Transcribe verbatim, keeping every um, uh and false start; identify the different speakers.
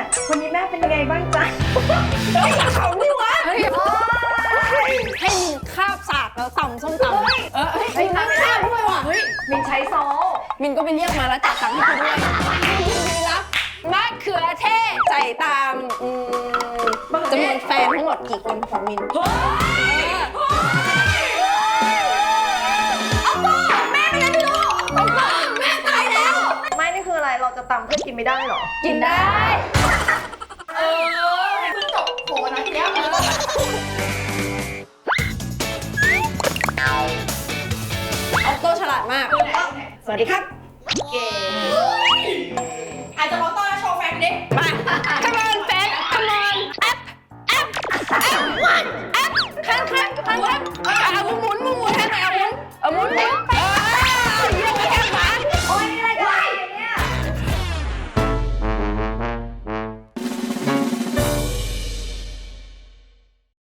Speaker 1: วันนี้แม่เป็นยังไงบ้างจ๊ะ
Speaker 2: เขาดิวะให้มินคาบสากแล้วตำส้มตำเออให้มินคาบด้วยว่ะเฮ้ย
Speaker 1: มินใช้ซอส
Speaker 2: มินก็ไปเรียกมาแล้วจ่ายตังค์ให้เขาด้วยมินรับมะเขือเทศใส่ตามอืมจำนวนแฟนทั้งหมดกี่คนของมินเฮ้ยเอาต่อแม่เป็นอะไรไม่รู้เอาต่อแม่ตายแล้ว
Speaker 1: ไม่นี่คืออะไรเราจะตำเพื่อกินไม่ได้หรอ
Speaker 2: กินได้เออ
Speaker 3: เพิ่งจบโผล่นะทีแล้ว
Speaker 2: ออกโตฉลาดมาก สวัสดีครับ
Speaker 3: เก่ง